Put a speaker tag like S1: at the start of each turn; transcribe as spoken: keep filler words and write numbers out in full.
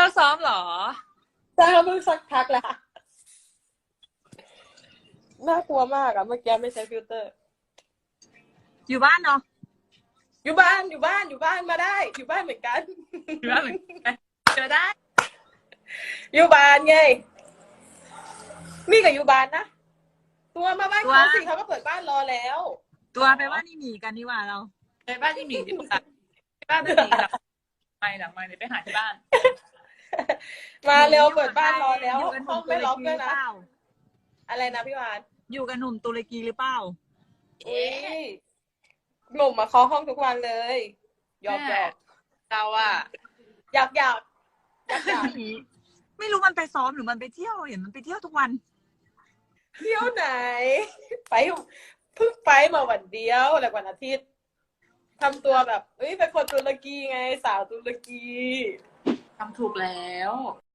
S1: ซ้อมเหรอ
S2: ใช่เขาเพิ่งสักพักแล้วน่ากลัวมากอะเมื่อกี้ไม่ใช้ฟิลเตอร์
S1: อยู่บ้านเนาะ
S2: อยู่บ้านอยู่บ้านอยู่บ้านมาได้อยู่บ้านเหมือนกัน
S1: อยู่บ้านเหมือนกันเจอได้
S2: อยู่บ้านไงมีกับอยู่บ้านนะตัวมาบ้านเขาสิเขาก็เปิดบ้านรอแล้ว
S1: ตัวไปบ้านนี่หมีกันดีกว่าเราไปบ้านนี่หมีดีกว่าไปบ้านนี่หมีหลังไม่หลังไม่เลยไปหาที่บ้าน
S2: มาเร็วเปิดบ้านรอแล้วห้องไม่ล็อกด้วยนะอะไรนะพี่วาน
S1: อยู่กับหนุ่มตุรกีหรือเปล่า
S2: เอ๊ะหนุ่มมาเคาะห้องทุกวันเลยหยอกหยอก
S1: เราอะ
S2: อยากอยากอยากอยาก
S1: ไม่รู้มันไปซ้อมหรือมันไปเที่ยวเห็นมันไปเที่ยวทุกวัน
S2: เที่ยวไหนไปเพิ่งไปมาวันเดียวแหละวันอาทิตย์ทำตัวแบบเอ้ยเป็นคนตุรกีไงสาวตุรกี
S1: ทำถูกแล้ว